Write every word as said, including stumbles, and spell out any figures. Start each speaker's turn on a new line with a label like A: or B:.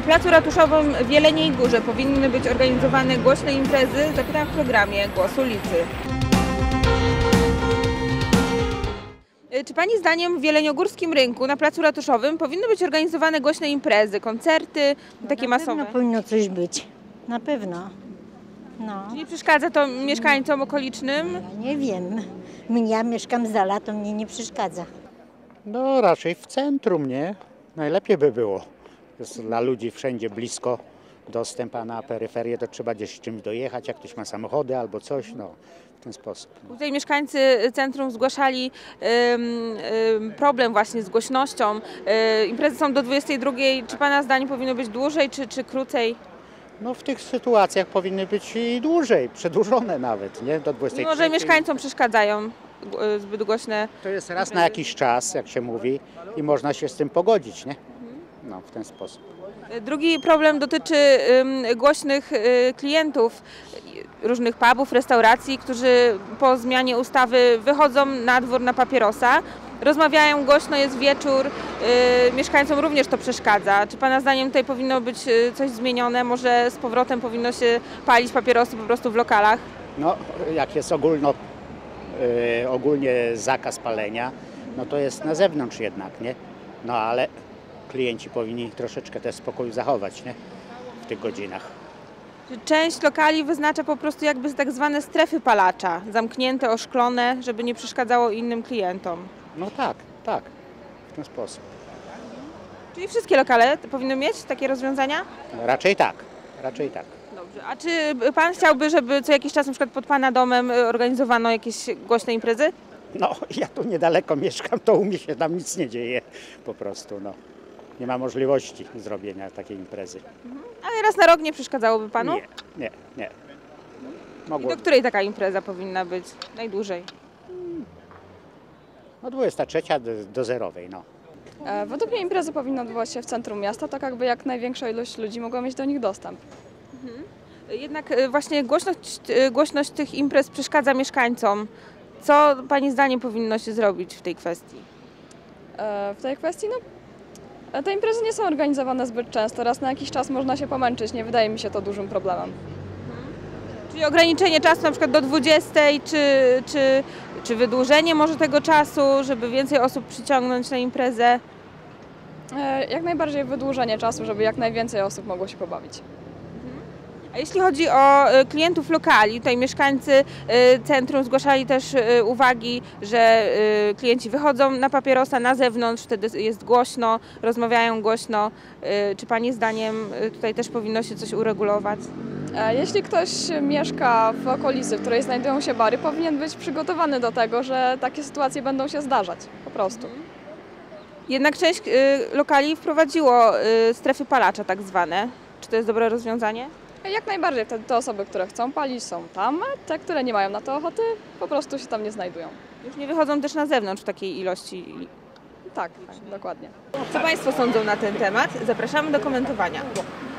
A: Na placu ratuszowym w Jeleniej Górze powinny być organizowane głośne imprezy. Zapytam w programie Głos Ulicy. Czy Pani zdaniem w Jeleniogórskim Rynku na placu ratuszowym powinny być organizowane głośne imprezy, koncerty,
B: No
A: takie
B: na
A: masowe?
B: pewno powinno coś być. Na pewno. No.
A: Nie przeszkadza to mieszkańcom okolicznym?
B: Ja nie wiem. Ja mieszkam z dala, to mnie nie przeszkadza.
C: No raczej w centrum, nie? Najlepiej by było. Jest dla ludzi wszędzie blisko dostęp, a na peryferię to trzeba gdzieś czymś dojechać, jak ktoś ma samochody albo coś, no w ten sposób.
A: Tutaj mieszkańcy centrum zgłaszali ym, ym, problem właśnie z głośnością. Yy, imprezy są do dwudziestej drugiej. Czy Pana zdaniem powinno być dłużej czy, czy krócej?
C: No w tych sytuacjach powinny być i dłużej, przedłużone nawet, nie? Do dwudziestej
A: Mimo, że mieszkańcom przeszkadzają yy, zbyt głośne.
C: To jest raz na jakiś czas, jak się mówi, i można się z tym pogodzić, nie? No w ten sposób.
A: Drugi problem dotyczy ym, głośnych y, klientów różnych pubów, restauracji, którzy po zmianie ustawy wychodzą na dwór na papierosa, rozmawiają głośno, jest wieczór, y, mieszkańcom również to przeszkadza. Czy Pana zdaniem tutaj powinno być y, coś zmienione? Może z powrotem powinno się palić papierosy po prostu w lokalach?
C: No jak jest ogólno, yy, ogólnie zakaz palenia, no to jest na zewnątrz jednak, nie? No ale klienci powinni troszeczkę też spokoju zachować, nie? W tych godzinach.
A: Część lokali wyznacza po prostu jakby tak zwane strefy palacza, zamknięte, oszklone, żeby nie przeszkadzało innym klientom.
C: No tak, tak, w ten sposób.
A: Czyli wszystkie lokale powinny mieć takie rozwiązania?
C: Raczej tak, raczej tak.
A: Dobrze. A czy Pan chciałby, żeby co jakiś czas na przykład pod Pana domem organizowano jakieś głośne imprezy?
C: No ja tu niedaleko mieszkam, to u mnie się tam nic nie dzieje po prostu, no. Nie ma możliwości zrobienia takiej imprezy.
A: Ale raz na rok nie przeszkadzałoby Panu?
C: Nie, nie, nie.
A: I
C: Mogło,
A: do której taka impreza powinna być najdłużej?
C: no dwudziesta trzecia do, do zerowej, no.
D: E, Według mnie imprezy powinny odbywać się w centrum miasta, tak jakby jak największa ilość ludzi mogła mieć do nich dostęp.
A: Jednak y, właśnie głośność, y, głośność tych imprez przeszkadza mieszkańcom. Co Pani zdaniem powinno się zrobić w tej kwestii?
D: E, W tej kwestii, no, e, te imprezy nie są organizowane zbyt często, raz na jakiś czas można się pomęczyć, nie wydaje mi się to dużym problemem.
A: Czyli ograniczenie czasu na przykład do dwudziestej, czy, czy, czy wydłużenie może tego czasu, żeby więcej osób przyciągnąć na imprezę?
D: E, Jak najbardziej wydłużenie czasu, żeby jak najwięcej osób mogło się pobawić.
A: A jeśli chodzi o y, klientów lokali, tutaj mieszkańcy y, centrum zgłaszali też y, uwagi, że y, klienci wychodzą na papierosa na zewnątrz, wtedy jest głośno, rozmawiają głośno. Y, Czy Pani zdaniem y, tutaj też powinno się coś uregulować?
D: E, Jeśli ktoś mieszka w okolicy, w której znajdują się bary, powinien być przygotowany do tego, że takie sytuacje będą się zdarzać, po prostu.
A: Jednak część y, lokali wprowadziło y, strefy palacza tak zwane. Czy to jest dobre rozwiązanie?
D: Jak najbardziej, wtedy te osoby, które chcą palić, są tam, a te, które nie mają na to ochoty, po prostu się tam nie znajdują.
A: Już nie wychodzą też na zewnątrz w takiej ilości.
D: Tak, tak, dokładnie.
A: Co Państwo sądzą na ten temat? Zapraszamy do komentowania.